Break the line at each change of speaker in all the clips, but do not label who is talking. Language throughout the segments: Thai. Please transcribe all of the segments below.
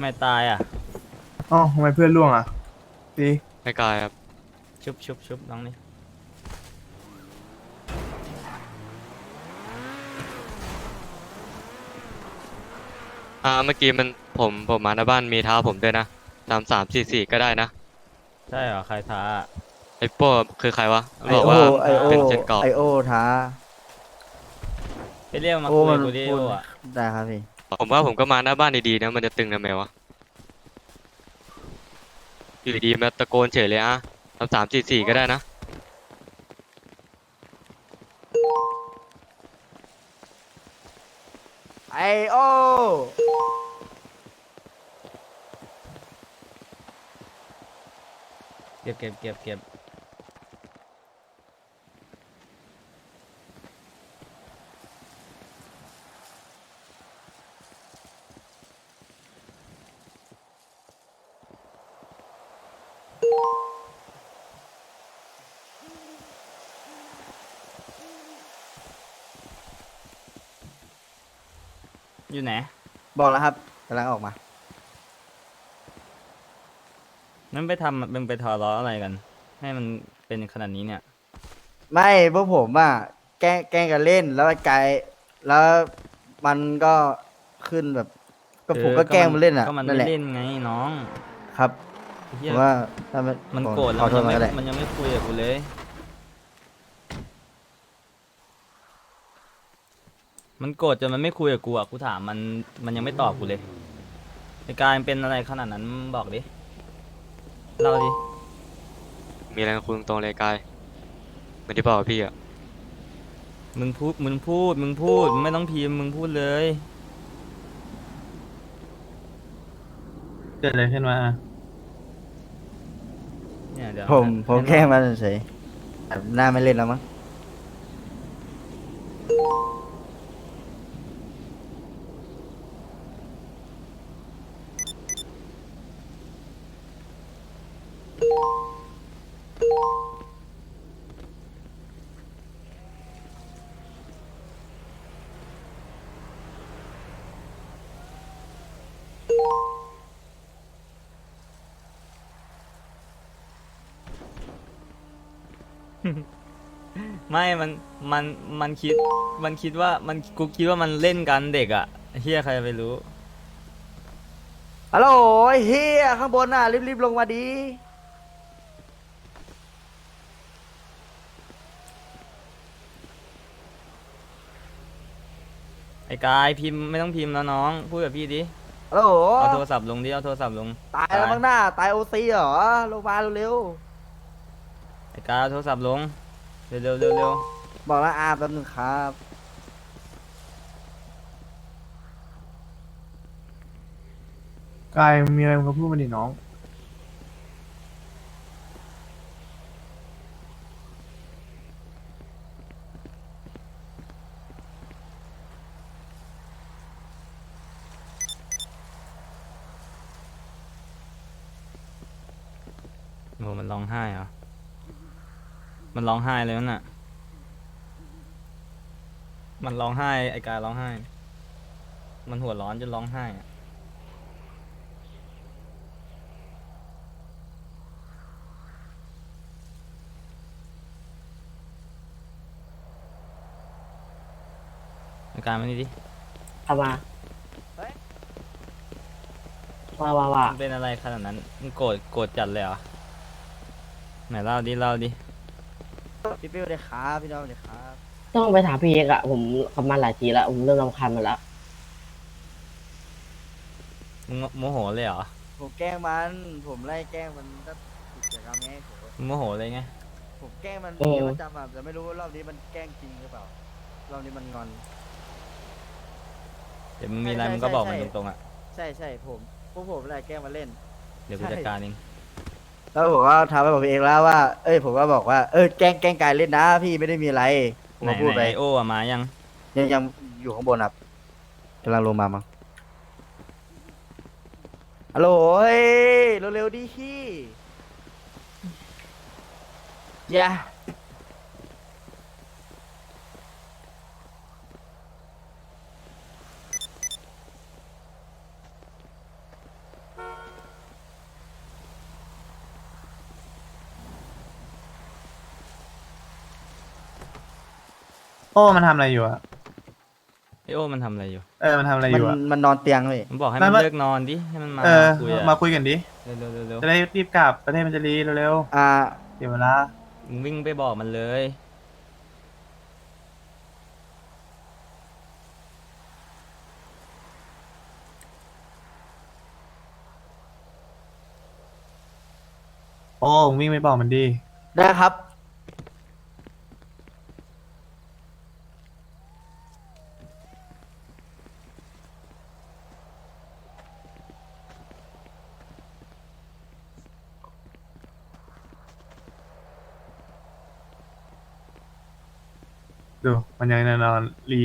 ไม่ตายอ่ะ
อ๋อทำไมเพื่อนล่วงอ่ะตี
ไม่กลายครับ
ชุบน้องนี่
เมื่อกี้มันผมมาหน้าบ้านมีเท้าผมด้วยนะ3344ก็ได้นะ
ใช่เหรอใครท้า
ไอ้โป้คือใครวะมัน
ไอโอ
บอกว่า
ไอโอ
เป็นเจนกรอบ
ไอโอท้า
ไปเรียกมา
โอมัน
คุยกูดิ
พูด
โออ่ะ
ได้ครับพี่
ผมว่าผมก็มาหน้าบ้านดีๆนะมันจะตึงทำไมวะอยู่ดีๆมาตะโกนเฉยเลยอะ3344ก็ได้นะ
ไอโอ
เก็บอยู่ไหน
บอกแล้วครับกำลังออกมา
นั่นไปทำเป็นไปทะเลาะอะไรกันให้มันเป็นขนาดนี้เนี่ย
ไม่พวกผมอ่ะแกล้งกันเล่นแล้วไอ้ไกลแล้วมันก็ขึ้นแบบก็ผมก็แกล้งมันเล่นอ่ะ
ก็มัน
นั่นแหละ
ไม่เล่นไงน้อง
ครับ
ไอ้
ผ
เหี้ย
มว่าถ้ามัน
มัน
ผม
โกรธแล้
ขอโทษ
ว
มันก็ได้
มันยังไม่คุยกับกูเลยมันโกรธจนมันไม่คุยกับกูอ่ะกูถามมันยังไม่ตอบกูเลยในการเป็นอะไรขนาดนั้นบอกดิเล่าดิ
มีอะไรกับคุณตรงๆเลยกายเหมือนที่บอกกับพี่อะ
มึงพูดมึงไม่ต้องพิมพ์มึงพูดเลย
เกิดอะไรขึ้นมา
เนี่ยเดี๋ยว
ผมแกล้งมันเฉยๆแบบหน้าไม่เล่นแล้วมั้ง
ไม่มันมันคิดมันคิดว่ากูคิดว่ามันเล่นกันเด็กอ่ะเฮียใครจะไปรู้
ฮัลโหลไอ้เฮียข้างบนน่ะรีบๆลงมาดี
ไอ้กายพิมพ์ไม่ต้องพิมพ์แล้วน้องพูดกับพี่ดิ
ฮัลโหล
เอาโทรศัพท์ลงดิเอาโทรศัพท์ลง
ตายแล้วมั้งหน้าตายโอซีเหรอลงมาเร็ว
ไอ้กายเอาโทรศัพท์ลงเร็ว
ๆบอกแล้วแป๊บนึงครับ
กายมีอะไรมึงก็พูดมาดิน้อง
โอ้มันร้องไห้เหรอมันร้องไห้เลยนั่นน่ะมันร้องไห้ไอ้กายร้องไห้มันหัวร้อนจนร้องไห้อะไอ้กายมานี่ดิ
เอามาว่า
มันเป็นอะไรขนาดนั้นมึงโกรธจัดเลยเหรอไหนเล่าดิ
พี่เป้เลยครับพี่น้องเลยครับ
ต้องไปถามพี่เอกอะผมขับมาหลายทีแล้วผมเริ่มรำคาญมันแล้ว
มึงโมโหเลยเหรอ
ผมแกล้งมันผมไล่แกล้งมันก็กิจกรรมไง
มึงโมโหเลยไง
ผมแกล้งมันเป็นประจำอะแต่ไม่รู้ว่ารอบนี้มันแกล้งจริงหรือเปล่ารอบนี้มันงอน
เดี๋ยวมึงมีอะไร
ใช่
มึงก็บอก
ใช่
มันตรงๆอ่ะ
ใช่พวกผมอะไรแกล้งมันเล่น
เดี๋ยวกูจัดการเอง
แล้วผมก็ทำให้บอกพี่เอกแล้วว่าผมก็บอกว่าแกล้งกายเล่นนะพี่ไม่ได้มีอะไรผม
ไหน
ก็พูดไป
ไอโออะมายัง
ยังอยู่ข้างบนครับกำลังลงมามั้งฮัลโหลเฮ้ยเร็วๆดิพี่อย่า
โอ้มันทำอะไรอยู่อะ
ไอโอมันทำอะไรอยู่
มันทำอะไรอ
มัน
ยู่อะ
มันนอนเตียงเลย
มันบอกให้
ไม่
มัน
ไม่
เลิกนอนดิให้มันมา
เออ
คุยอะ
มาคุยกันดิ
เร็วเร็วเร็ว
จะได้รีบกลับประเทศมันจะรีเร็ว
อ่า
ๆเสียเวลา
มึงวิ่งไปบอกมันเลย
โอ้มึงวิ่งไปบอกมันดี
ได้ครับ
ดูมันยังนอนรี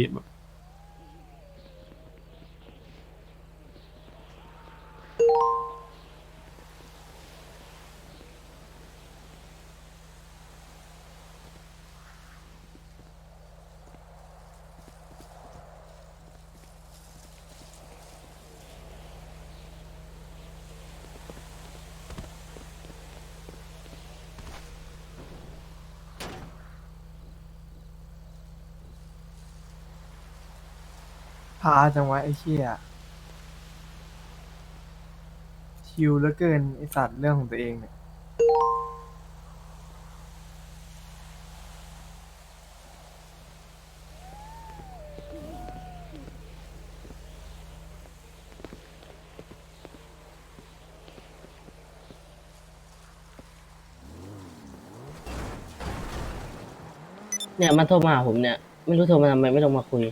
พาจังวะไอ้เชี่ยชิวเหลือเกินไอสัตว์เรื่องของตัวเองเนี่ย
เนี่ยมันโทรมาหาผมเนี่ย ไม่รู้โทรมาทำไมไม่ลงมาคุย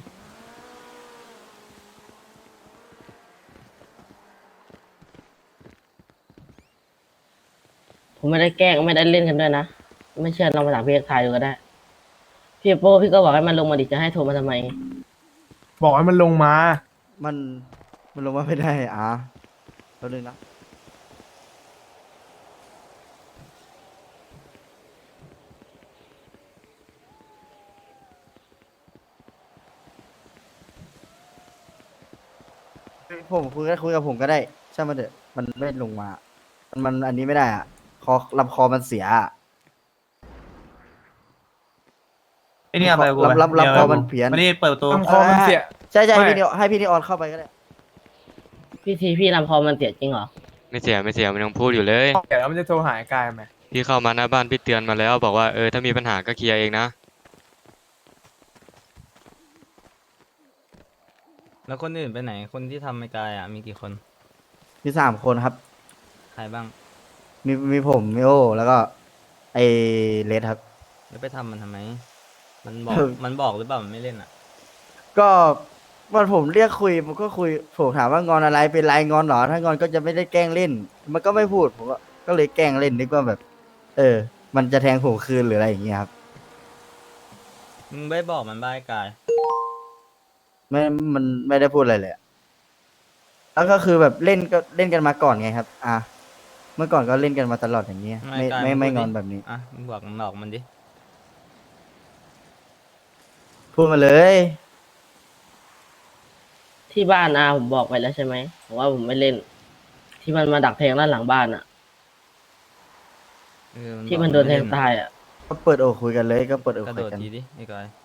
ผมไม่ได้แกล้งไม่ได้เล่นกันด้วยนะ ไม่เชื่อลองมาถามพี่เอกทายดูก็ได้ พี่โป้พี่ก็บอกให้มันลงมาดิจะให้โทรมาทำไม
บอกให้มันลงมา
มันมันลงมาไม่ได้แป๊บนึงนะผมคุยกับผมก็ได้ช่างมันเถอะมันไม่ลงมา มันอันนี้ไม่ได้คอลำคอมันเสียอะ
ไอ้นี่เอาไปกูไป
รับ
ดี๋ยว
พอมันเพี้ยน
ไม่ได้เปิดประตู
ลำคอมันเสีย ใช่
ไม่
ให้พี่นิออนเข้าไปก็ได้
พี่ทีพี่ลำคอมันเสียจริงเหรอ
ไม่เสียไม่เสียมันยังพูดอยู่เลย
เดี๋ยวมันจะโทรหากายไหม
พี่เข้ามาหน้าบ้านพี่เตือนมาแล้ว บอกว่าถ้ามีปัญหาก็เคลียร์เองนะ
แล้วคนอื่นไปไหนคนที่ทำไม่กายมีกี่คน
มี3 คนครับ
ใครบ้าง
มีผมมีโอแล้วก็ไอเลสครับ
แล้วไปทำมันทำไม มันบอก
เออ
มันบอกหรือเปล่ามันไม่เล่นอ่ะ
ก็วันผมเรียกคุยผมก็คุยผมถามว่างอนอะไรเป็นไรงอนเหรอถ้างอนก็จะไม่ได้แกล้งเล่น มันก็ไม่พูดผมก็เลยแกล้งเล่นนึกว่าแบบ มันจะแทงผมคืนหรืออะไรอย่างเงี้ยครับ
มึงไม่บอกมันบ้ายกาย
ไม่มันไม่ได้พูดอะไรเลยอะแล้วก็คือแบบเล่นก็เล่นกันมาก่อนไงครับ เมื่อก่อนก็เล่นกันมาตลอดอย่างเงี้ยไม่งอนแบบนี้
อ่ะมึงบอกมันดิ
พูดมาเลย
ที่บ้านผมบอกไปแล้วใช่ไหมผมว่าผมไม่เล่น ที่มันมาดักแทงด้านหลังบ้านอะ ที่มันโดนแทงตายอะ
ก็เปิดอกคุยกันเลยก็เปิดอก
กระ
คุ
โด
ย
ด
กัน
ทีดิไอ้กาย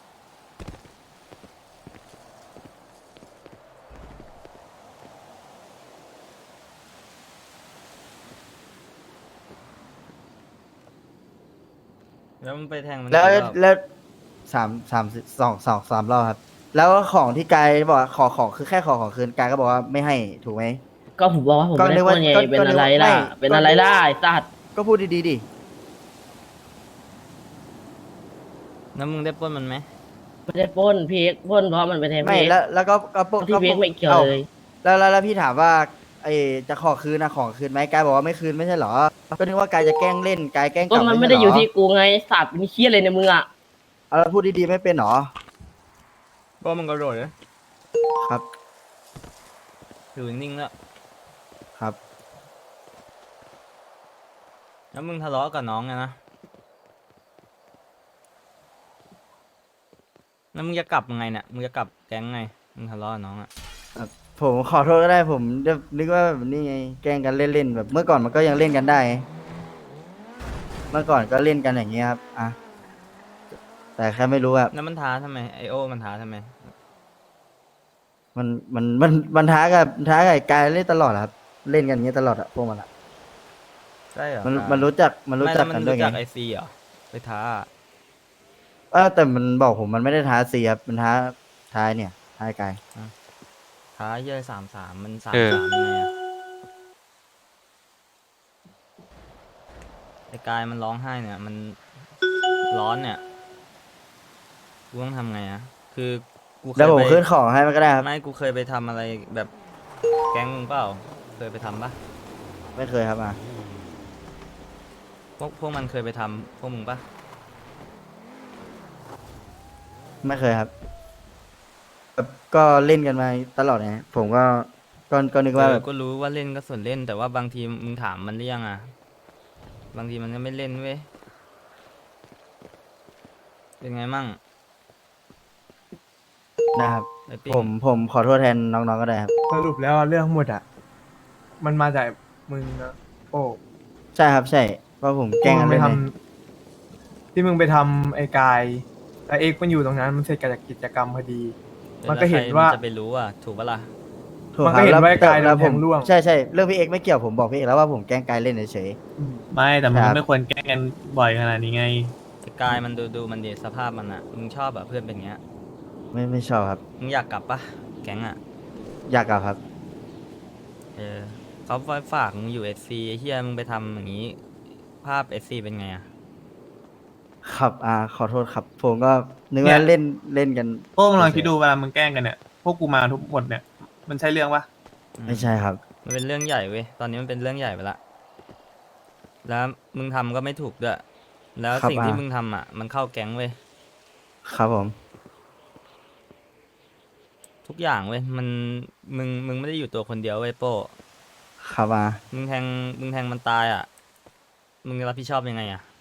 แล้วมันไปแทงมัน
แล้ว
กี่รอบ
แล้วสามรอบครับ แล้วของที่กายบอกว่าขอของคือแค่ขอของคืนกายก็บอกว่าไม่ให้ถูกไหม
ก็ผมบอกว่าผม
ก็
ไม่
นึ
ได้
ก
ป
ว่า
ล้นไง
ก็
เป็น
ก็นึก
อะไร
ว่า
ล่ะ
ไม่
เป็นอะไรล่ะไอ้สัตว์
ก็พูดดีๆดิ
แล้วมึงได้ปล้นมันไหม
ไม่ได้ปล้นพี่เอกปล้นเพราะมันไปแทง
ไม่
พี่เอก
แล้วก็พวก
ที่พี่เอกไม่เกี่ยวเลย
แล้วพี่ถามว่าจะขอคืนนะของคืนไหมกายบอกว่าไม่คืนไม่ใช่เหรอ ก็นึกว่ากายจะแกล้งเล่นกายแกล้งก
ก็
ลับ
มัน
ใช่
ไม่
เหร
ได้อยู่ที่กูไงสัตว์มีเคี้ยอะไรในมืออะ
เอาแล้วพูดดีๆไม่เป็นเหรอ
ก็มึงกระโดดเลย
ครับ
อยู่นิ่งๆแล้ว
ครับ
แล้วมึงทะเลาะกับน้องไงนะแล้วมึงจะกลับยังไงเนี่ยมึงจะกลับแก๊งไงมึงทะเลาะกับน้องอ่ะ
ผมขอโทษก็ได้ผมจะนึกว่าแบบนี้ไงแกล้งกันเล่นๆแบบเมื่อก่อนมันก็ยังเล่นกันได้ เมื่อก่อนก็เล่นกันอย่างเงี้ยครับแต่แค่ไม่รู้ว่า
แล้วมันท้าทำไมไอโอมันท้าทำไม
มันท้ากับไอ้กายเล่นตลอดอะครับ เล่นกันอย่างเงี้ยตลอดอะพวกมันอะ
ใช่เหรอ
มันรู้จักมันรู้
ไม่
จั
แล้
ก
วมั
กัน
น
ด้วย
รู้
ไง
จักไอซีเหรอไปท้า
แต่มันบอกผมมันไม่ได้ท้าซีครับมันท้ายเนี่ยท้ายกาย
ท้าเยอะ33มัน
เออ
33ยังไงอะไอกายมันร้องไห้เนี่ย มันร้อนเนี่ยกูต้องทำไงอะคือกูเค
แล้ว
ย
ผม
ไป
ขึ้นของให้มันก็ได้ครับ
ไม่กูเคยไปทำอะไรแบบแก๊งมึงเปล่าเคยไปทำปะ
ไม่เคยครับ
พวกมันเคยไปทำพวกมึงปะ
ไม่เคยครับแบบก็เล่นกันมาตลอดไงผมก็นึกว่าแบบ
ก็รู้ว่าเล่นก็ส่วนเล่น แต่ว่าบางทีมึงถามมันหรือยังอะบางทีมันก็ไม่เล่นเว้ยเป็นไงมั่ง
นะครับ
ไอปิ้ง
ผมขอโทษแทนน้องๆก็ได้ครับ
สรุปแล้วเรื่องทั้งหมดอะมันมาจากมึงนะโอ้
ใช่ครับใช่เพราะผมแกล้งกัน
ไป
เล่น
ท
เลย
ำที่มึงไปทำไอ้กายแล้วเอ็กซ์มันอยู่ตรงนั้นมันเสร็จจากกิจกรรมพอดี
ดี๋ยว
มันก็เห็น
แล้วใคร
ว่า
จะไปรู้อ่ะถูกปะล่ะ
ถูก
มัน
ค
ก็
รับ
เห็น
แล้ว
ว่าไอ้กาย
แล้ว
โดนแทงร่วง
ใช่ใช่เรื่องพี่เอกไม่เกี่ยวผมบอกพี่เอกแล้วว่าผมแกล้งกายเล่นเฉย
ไม่แต่มึ
ค
ง
รับ
ไม่ควรแกล้งกันบ่อยขนาดนี้ไง
ไอ้กายมันดูมันดีสภาพมันอ่ะมึงชอบแบบเพื่อนเป็นอย่างเงี้ย
ๆไม่ชอบครับ
มึงอยากกลับปะแก๊งอ่ะ
อยากกลับครับ
เขาฝากมึงอยู่เอซีไอ้เฮียมึงไปทำอย่างนี้ ภาพเอซีเป็นไงอ่ะ
ครับขอโทษครับ ผมก็นึก
เนี่
ว่าย เล่นกัน
พวกมึงลองคิดดูเวลามึงแกล้งกันเนี่ย พวกกูมาทุกหมดเนี่ย มันใช่เรื่องปะ
ไม่ใช่ครับ
มันเป็นเรื่องใหญ่เว้ยตอนนี้มันเป็นเรื่องใหญ่ไปละแล้วมึงทำก็ไม่ถูกด้วยแล้ว
ครับ
สิ่งที่มึงทำอ่ะมันเข้าแก๊งเว้ย
ครับผม
ทุกอย่างเว้ยมึงไม่ได้อยู่ตัวคนเดียวเว้ยโป้
ครับ
มึงแทงมันตายอ่ะมึงจะรับผิดชอบยังไงอ่ะ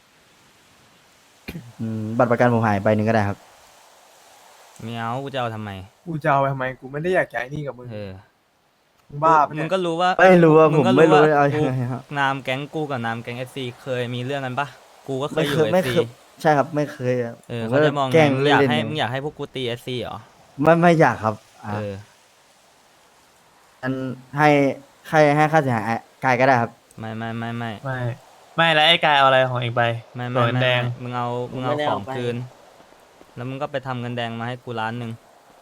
บัตรประกันผมหายไปหนึ่งก็ได้ครับ
ไม่เอากูจะเอาทำไม
กูจะเอาไปทำไมกูไม่ได้อยากย้ายนี่กับมึง
เออ
มึงบ้าปะ
มึ
เนี่
ง
ย
ก็รู้ว่า
ไม่รู้ว่าผม
ก็
ไม่รู้
ว่า
เอา
กู
ยังไงครับ
นามแก๊งกูกับนามแก๊งเอฟซีเคยมีเรื่องกันปะกูก็เคยอยู่เอ
ไม่
ฟ
เค
ซี
ยใช่ครับไม่เคยครับ
เออ
ผม
เขาจะมอง
แกล้ง
มึงอยาก
เล่น
ให้
ๆ
มึงอยากให้พวกกูตีเอฟซีเหรอ
ไม่อยากครับ
เออ
อันให้ค่าเสียหายกายก็ได้ครับ
ไม่
ไม่แล้วไอ้กายเอาอะไรของเองไป
ไม่
ตัวแดง
มึงเอาของคืน แล้วมึงก็ไปทำเงินแดงมาให้กู1,000,000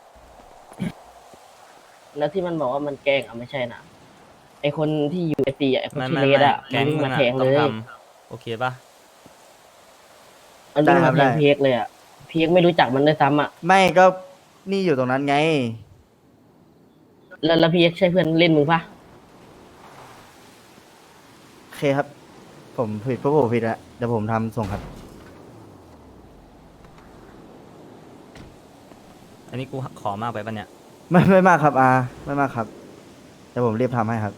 แล้วที่มันบอกว่ามันแกล้งอ่ะไม่ใช่นะไอคนที่อยู่ไอซีอ่ะไอคน
ไม่
ที่เลดอ่ะ
แก๊ง
มัน
มึ
มาง
อ่ะ
แทง
ต้
เล
อง
ย
ทำโอเคปะ
มันวิ่ง
ได้ครั
มา
บ
แทง
ได้
เพียกเลยอ่ะเพียกไม่รู้จักมันด้วยซ้ำอ่ะ
ไม่ก็นี่อยู่ตรงนั้นไง
แล้วเพียกใช่เพื่อนเล่นมึงปะ
โอเคครับ ผมผิดเพราะผมผิดแล้วเดี๋ยวผมทำส่งครับ
อันนี้กูขอมากไปปะเนี่ย
ไม่มากครับไม่มากครับเดี๋ยวผมรีบทำให้ครับ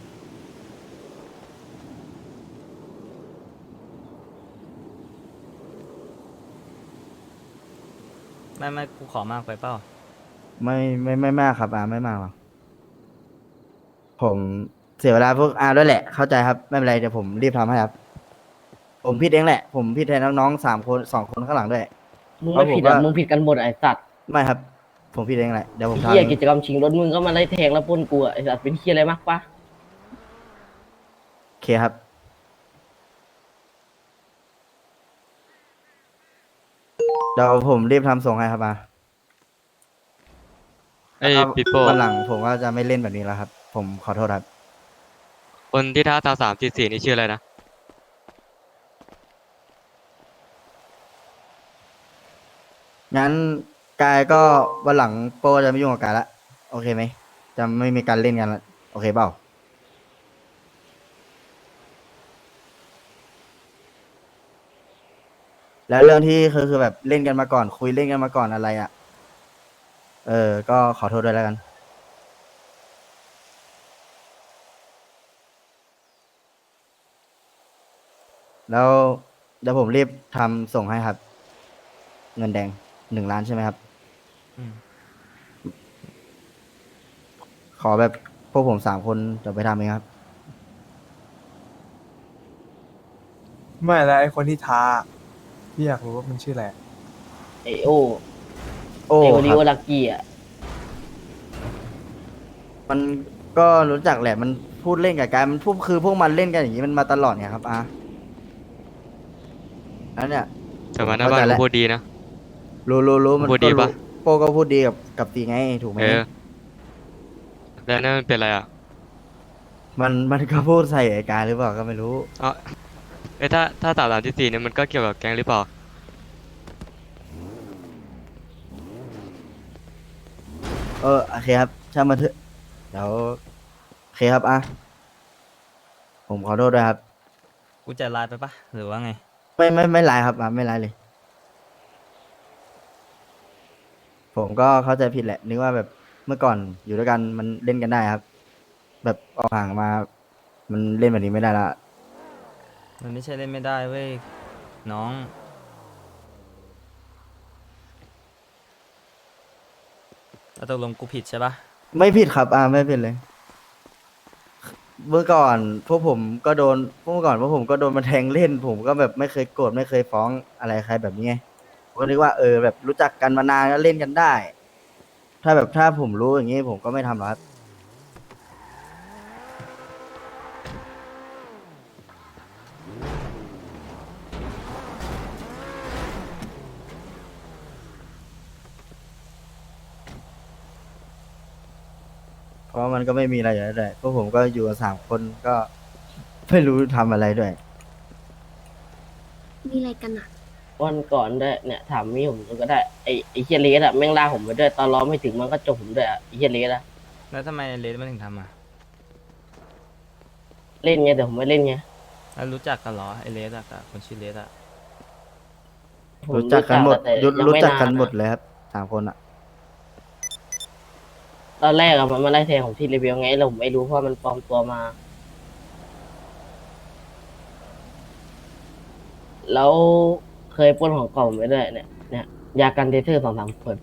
ไม่กูขอมากไปเปล่า
ไม่มากครับไม่มากหรอกผมเสียเวลาพวกด้วยแหละ เข้าใจครับไม่เป็นไรเดี๋ยวผมรีบทำให้ครับ ผมผิดเองแหละ ผมผิดแทนน้องๆ3 คน 2 คนข้างหลังด้วย
มึงไม่ผิดอ่ะ
เอาผมว่ามึ
มึงผิดกันหมดอ่ะไอสัตว์
ไม่ครับ ผมผิดเองแหละเดี๋ยวผม
ไอ้เฮียกิ
ทำ
จกรรมชิงรถมึงก็มาไล่แทงแล้วปล้นกูอ่ะไอสัตว์เป็นเฮียอะไรมากปะ
โอเคครับ เดี๋ยวผมรีบทำส่งให้ครับ
ไอ้ยปิโป้
วันหลังผมก็จะไม่เล่นแบบนี้แล้วครับ ผมขอโทษครับ
คนที่ท้า3344นี่ชื่ออะไรนะ
งั้นกายก็วันหลังโปรจะไม่ยุ่งกับกายละโอเคไหมจะไม่มีการเล่นกันละโอเคเปล่าแล้วเรื่องที่คือแบบเล่นกันมาก่อน คุยเล่นกันมาก่อนอะไรอ่ะก็ขอโทษด้วยแล้วกัน แล้วเดี๋ยวผมรีบทำส่งให้ครับ เงินแดง1 ล้านใช่ไหมครับ
อืม
ขอแบบพวกผม3 คนจะไปทำเองครับ
ไม่แล้วไอ้คนที่ท้าพี่อยากรู้ว่ามันชื่ออะไร
ไอโอ
โอ้
ไอโอ
ค
ริ
รับ
โอลักกี้อ่ะ
มันก็รู้จักแหละมันพูดเล่นกับการมันพูดคือพวกมันเล่นกันอย่างนี้มันมาตลอดไงครับแล้วเนี่ย
แต่มาหน้าบ้านก็พูดดีนะ
รู้มัน
พูด
ก็
ดี
รู้
ปะ
โปก็พูดดีกับตีไงถูกไหม
เออแล้วนั่นมันเป็นอะไรอ่ะ
มันก็พูดใส่ไอ้การหรือเปล่าก็ไม่รู้
เอ๋อเอ้ยถ้า3 3 4เนี่ยมันก็เกี่ยวกับแก๊งหรือเปล่า
โอเคครับช่างมันเถอะเดี๋ยวโอเคครับผมขอโทษด้วยครับ
กูใจร้ายไปปะหรือว่าไง
ไม่ไลน์ครับไม่ไลน์เลย ผมก็เข้าใจผิดแหละนึกว่าแบบเมื่อก่อนอยู่ด้วยกันมันเล่นกันได้ครับ แบบออกห่างมา มันเล่นแบบนี้ไม่ได้ละ
มันไม่ใช่เล่นไม่ได้เว้ยน้องแล้วตกลงกูผิดใช่ปะ
ไม่ผิดครับไม่ผิดเลย เมื่อก่อนพวกผมก็โดนเมื่อก่อนพวกผมก็โดนมาแทงเล่น ผมก็แบบไม่เคยโกรธไม่เคยฟ้องอะไรใครแบบนี้ไงผมก็นึกว่าแบบรู้จักกันมานานก็เล่นกันได้ ถ้าผมรู้อย่างนี้ผมก็ไม่ทำหรอกครับเพราะมันก็ไม่มีอะไรอยู่แล้วด้วยพวกผมก็อยู่กัน3 คนก็ไม่รู้ทำอะไรด้วย
มีอะไรกันอ่ะ
วันก่อนด้วยเนี่ยถามมีผมก็ได้ไอเฮียเลสอะแม่งลากผมไปด้วยตอนล้อไม่ถึงมันก็จบผมด้วยอะไอเฮียเลสอะ
แล้วทำไมเลสมันถึงทำอ่ะ
เล่นไงแต่ผมไม่เล่นไง
แล้วรู้จักกันเหรอไอเลสอะกับคนชื่อเลสอะ
ผม
รู้จักกันหมด
แต่ยัง
รู้
ไม่
จักกัน
า
หมดเลยครับ3 คนอ่ะ
ตอนแรกอะมันมาไล่แทงผมที่รีวิวไงแล้วผมไม่รู้เพราะมันปลอมตัวมา แล้วเคยปล้นของเก่าผมไปด้วยเนี่ยยากันเทเทอร์2-3 ขวด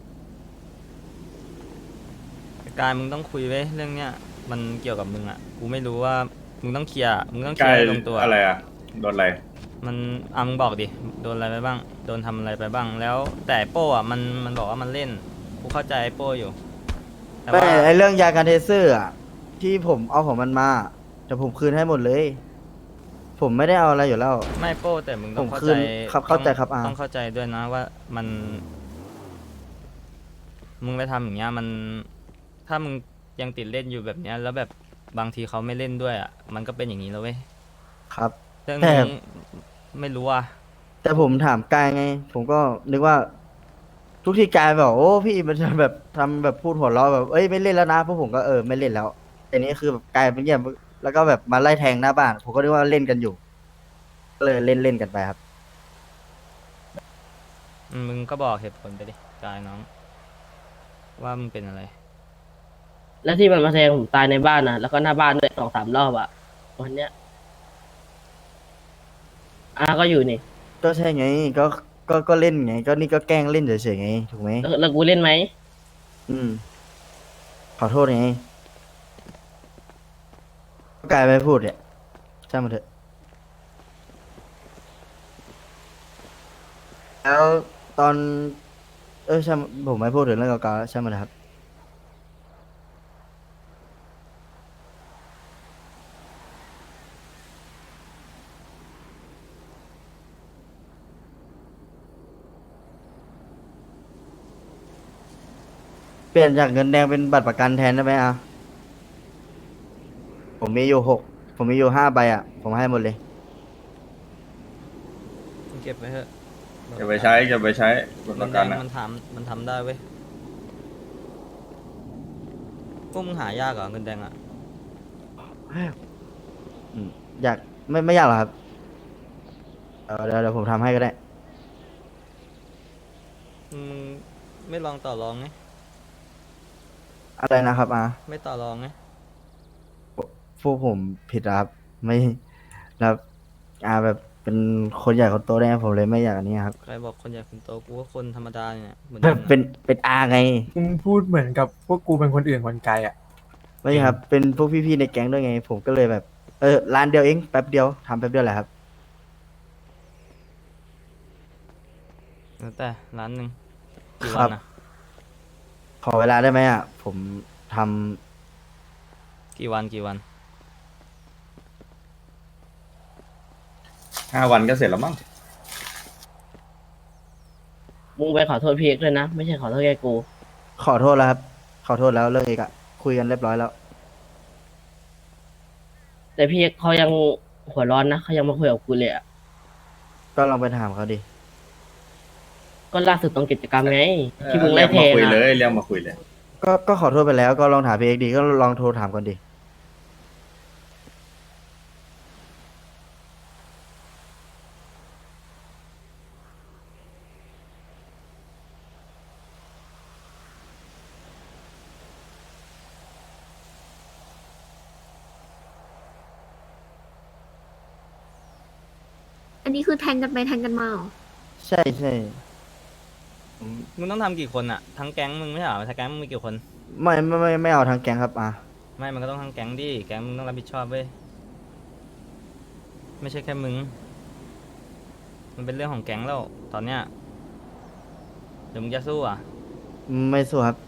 การมึงต้องคุยไว้ยเรื่องเนี้ยมันเกี่ยวกับมึงอ่ะกูไม่รู้ว่ามึงต้องเคลียร์มึงต้องเค
ใก
ลีย
ล้
ร์ให้ลงตัว
อะไรอ่ะ โดนอะไร
มันมึงบอกดิโดนอะไรไปบ้างโดนทำอะไรไปบ้างแล้วแต่ไอ้โป้อ่ะมันบอกว่ามันเล่นกูเข้าใจไอ้โป้อยู่แต่
ไม่
ว่า
ไอเรื่องยาการเทเซอร์อ่ะที่ผมเอาของมันมาแต่ผมคืนให้หมดเลย ผมไม่ได้เอาอะไรอยู่แล้ว
ไม่โป้แต่มึงต้อง
ผม
เข้า
คื
ใจ
นครับเข้าใจครับ
ต้องเข้าใจด้วยนะว่ามันมึงไปทำอย่างเงี้ยมันถ้ามึงยังติดเล่นอยู่แบบเนี้ยแล้วแบบบางทีเขาไม่เล่นด้วยอ่ะมันก็เป็นอย่างนี้แล้วเว้ย
ครับ
เรื่อง
แต่
นี้ไม่รู้อ่ะ
แต่ผมถามกายไง ผมก็นึกว่า ทุกที่กายบอกโอ้พี่มันจะแบบทำแบบพูดหัวเราะแบบเอ้ยไม่เล่นแล้วนะพวกผมก็ไม่เล่นแล้วแต่นี้คือแบบกายเป็นเงียบแล้วก็แบบมาไล่แทงหน้าบ้าน ผมก็นึกว่าเล่นกันอยู่ก็เลยเล่นกันไปครับ
มึงก็บอกเหตุผลไปดิกายน้อง ว่ามึงเป็นอะไร
แล้วที่มันมาแทงผมตายในบ้านนะแล้วก็หน้าบ้านด้วย2-3 รอบอะวันเนี้ยก็อยู่นี่
ก็ใช่ไงก็เล่นไง ก็นี่ก็แกล้งเล่นเฉยๆไงถูกไหม
แล้วกูเล่นไหม
อืมขอโทษไงก็กลายไปพูดเนี่ยช่างมันเถอะแล้วตอนช่างผมไม่พูดถึงเรื่องเก่าๆแล้วช่างมันเถอะครับเปลี่ยนจากเงินแดงเป็นบัตรประกันแทนได้ไหมผมมีอยู่ผมมีอยู่5 ใบผมให้หมดเลย
เก็บไว้เถอะ
จะไปใช้จะไปใช้บทป
เงิ
ระ
นแด
กัน
ง
อ่ะ
มันทำได้เว้ยพวกมึงหายากเหรอเงินแดงอ่ะ
อืมอยากไม่อยากหรอกครับเดี๋ยวผมทำให้ก็ได้
มึงไม่ลองต่อรองไง
อะไรนะครับ
ไม่ต่อรองไง
พวกผมผิดอะครับไม่แล้วแบบเป็นคนใหญ่คนโตได้ไงผมเลยไม่อยากอันนี้ครับ
ใครบอกคนใหญ่คนโตกูก็คนธรรมดาเนี่ยเหมือน
แบบ
มึงอะ
เป็นไง
มึงพูดเหมือนกับพวกกูเป็นคนอื่นคนไกลอ่ะ
ไม่ใช่ครับ เป็นพวกพี่ๆในแก๊งด้วยไง ผมก็เลยแบบร้านเดียวเองแป๊บเดียวทำแป๊บเดียวแหละครับ
แล้วแต่ร้านหนึ่งกี่
ครั
วั
บ
นนะ
ขอเวลาได้ไหมอ่ะ ผมทำ
กี่วันกี่วัน
5 วันก็เสร็จแล้วมั้ง
มึงไปขอโทษพี่เอกด้วยนะ ไม่ใช่ขอโทษแค่กู
ขอโทษแล้วครับ ขอโทษแล้วเรื่องเอกอะคุยกันเรียบร้อยแล้ว
แต่พี่เอกเขายังหัวร้อนนะเขายังมาคุยกับกูเลยอ่ะ
ก็ลองไปถามเขาดิ
ก็ล่าสุดตรงกิจกรรมไง
เออ
ที่มึง
เรี
ไล่
ยก
เท
มาคุย
นะ
เลยเรียกมาคุยเลย
ก็ขอโทษไปแล้วก็ลองถามพี่เอกดีก็ลองโทรถามก่อนดิ
อันนี้คือแทงกันไปแทงกันมาเหรอ
ใช่ใช่
มึงต้องทำกี่คนอะทั้งแก๊งมึงไม่ใช่เหรอทั้งแก๊งมึงมีกี่คน
ไม่เอาทางแกงครับอ่ะ
ไม่มันก็ต้องทั้งแก๊งดิแก๊งมึงต้องรับผิดชอบเว้ยไม่ใช่แค่มึง มันเป็นเรื่องของแก๊งแล้วตอนเนี้ยเดี๋ยวมึงจะสู้อ่ะ
ไม่สู้ครับ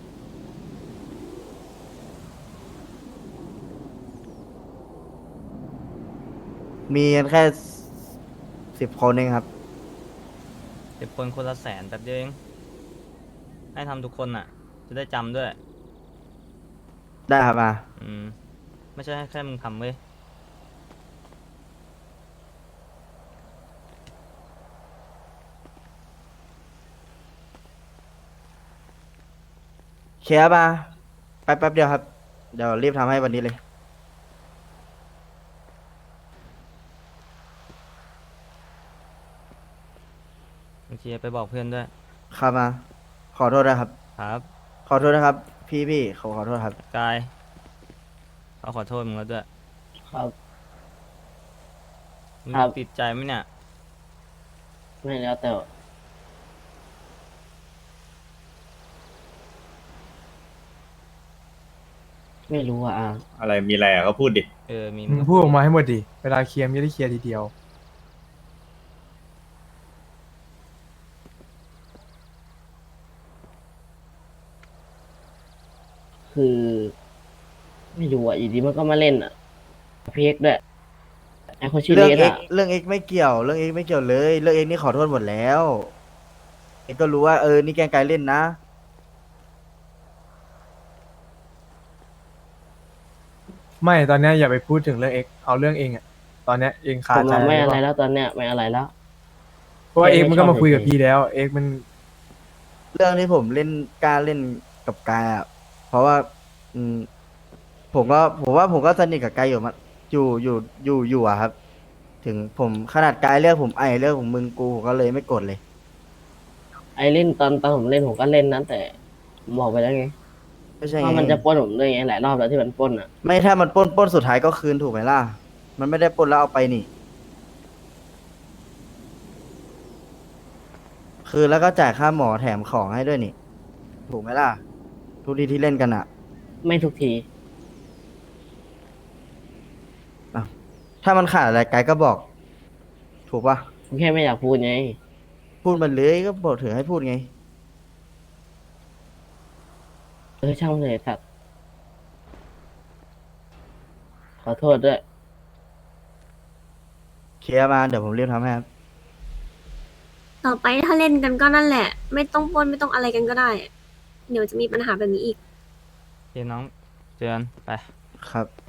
มีกันแค่10 คนเองครับ
เดี๋ยวคนคนละ100,000แป๊บเดียวเองให้ทำทุกคนอ่ะ จะได้จำด้วย
ได้ครับอ่ะ
ไม่ใช่แค่มึงทำเว้ย
เคลียร์มาแป๊บเดียวครับ เดี๋ยวรีบทำให้วันนี้เลย
โอเคไปบอกเพื่อนด้วย
ครับมา ขอโทษนะครับ
ครับ
ขอโทษนะครับ พี่ขอโทษครับ
กายเขาขอโทษมึงแล้วด้วย
ครับ
มึง
ครับ
ติดใจไหมเนี่ย
ไม่แล้วแต่ ไม่รู้อ่ะ
อะไรมีอะไรอ่ะก็พูดดิ
มี
มึงพูดออกมาให้หมดดิ เวลาเคลียร์ไม่ได้เคลียร์ทีเดียว
คือ ไม่รู้อ่ะอยู่ดีมันก็มาเล่นอ่ะพี่เอกด้วยไอคนชื่อ
เรื่
เล
อง
ส
เอก
อ่ะ
เรื่องเอกไม่เกี่ยว เรื่องเอกไม่เกี่ยวเลย เรื่องเอกนี่ขอโทษหมดแล้ว เอกก็รู้ว่านี่แกล้งกายเล่นนะ
ไม่ตอนเนี้ยอย่าไปพูดถึงเรื่องเอ็กเอาเรื่องเองอะตอนเนี้ยเองคา
ผม
ใจ
อะไม่
ห
อะ
เป
ไร
ล่า
แล้วตอนเนี้ยไม่อะไรแล้ว
เพราะว่า
เอ็
เอ็
ก
ก
ไม่
มันก็
ชอบ
มาคุยกับ
เฉยๆ
พี่แล้ว เอ็กมัน
เรื่องที่ผมเล่นกล้าเล่นกับกายอ่ะ เพราะว่า ผมก็สนิทกับกายอยู่มาอยู่อะครับ ถึงผมขนาดกายเรียกผมไอเรียกผมมึงกูผมก็เลยไม่กดเลย
ไอเล่นตอนผมเล่นผมก็เล่นนะแต่ผมบอกไปแล้วไง
ไม่ใช่
ว่า
ไง
มันจะปล้นผมด้วยไงหลายรอบแล้วที่มันปล้นอ่ะ
ไม่ถ้ามันปล้นสุดท้ายก็คืนถูกไหมล่ะ มันไม่ได้ปล้นแล้วเอาไปนี่ คือแล้วก็จ่ายค่าหมอแถมของให้ด้วยนี่ ถูกไหมล่ะ ทุกทีที่เล่นกันอ่ะ
ไม่ทุกที
ถ้ามันขาดอะไรไกด์ก็บอก ถูกปะ
ผมแค่ไม่อยากพูดไง
พูดมันเลยก็บอกถือให้พูดไง
ช่างมันเลยสัตว์ขอโทษด้วย
เคลียร์มาเดี๋ยวผมรีบทำให้ครับ
ต่อไปถ้าเล่นกันก็นั่นแหละ ไม่ต้องปล้นไม่ต้องอะไรกันก็ได้ เดี๋ยวจะมีปัญหาแบบนี้อีก
โอเคน้องเจอกันไป
ครับ